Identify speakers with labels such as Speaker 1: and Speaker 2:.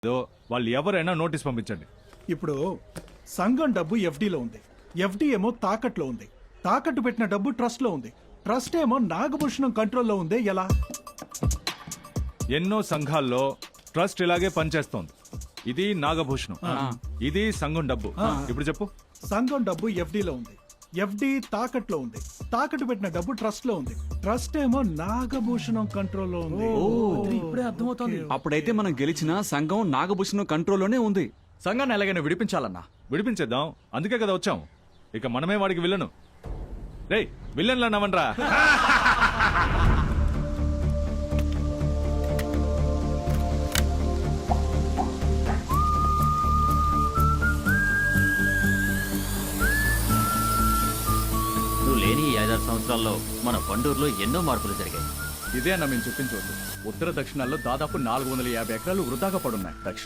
Speaker 1: ఏదో వాళ్ళు ఎవరైనా నోటీస్ పంపించండి.
Speaker 2: ఇప్పుడు సంఘం డబ్బు ఎఫ్డీలో ఉంది, ఎఫ్డీ ఏమో తాకట్లో ఉంది, తాకట్టు పెట్టిన డబ్బు ట్రస్ట్ లో ఉంది, ట్రస్ట్ ఏమో నాగభూషణం కంట్రోల్లో ఉంది. ఎలా?
Speaker 1: ఎన్నో సంఘాల్లో ట్రస్ట్ ఇలాగే పనిచేస్తోంది. ఇది నాగభూషణం, ఇది సంఘం డబ్బు. ఇప్పుడు చెప్పు.
Speaker 2: సంఘం డబ్బు ఎఫ్డీలో ఉంది, ఎఫ్డీ తాకట్లో ఉంది, తాకట్టు పెట్టిన డబ్బు ట్రస్ట్ లో ఉంది, ట్రస్ట్ ఏమో నాగభూషణం కంట్రోల్లో ఉంది.
Speaker 3: ఇప్పుడే అర్థమవుతోంది.
Speaker 4: అప్పుడైతే మనం గెలిచిన సంఘం నాగభూషణం కంట్రోల్లోనే ఉంది.
Speaker 3: సంఘాన్ని ఎలాగైనా విడిపించాలన్నా.
Speaker 1: విడిపించేద్దాం, అందుకే కదా వచ్చాం. ఇక మనమే వాడికి విలను. రేయ్ విలన్లు అన్నావనరా?
Speaker 5: నువ్వు లేని ఈ 5-6 సంవత్సరాల్లో మన పండూరులో ఎన్నో మార్పులు జరిగాయి.
Speaker 3: ఇదే అన్న మేము చెప్పించవద్దు. ఉత్తర దక్షిణాల్లో దాదాపు 450 ఎకరాలు వృధాగా పడున్నాయి. దక్షిణ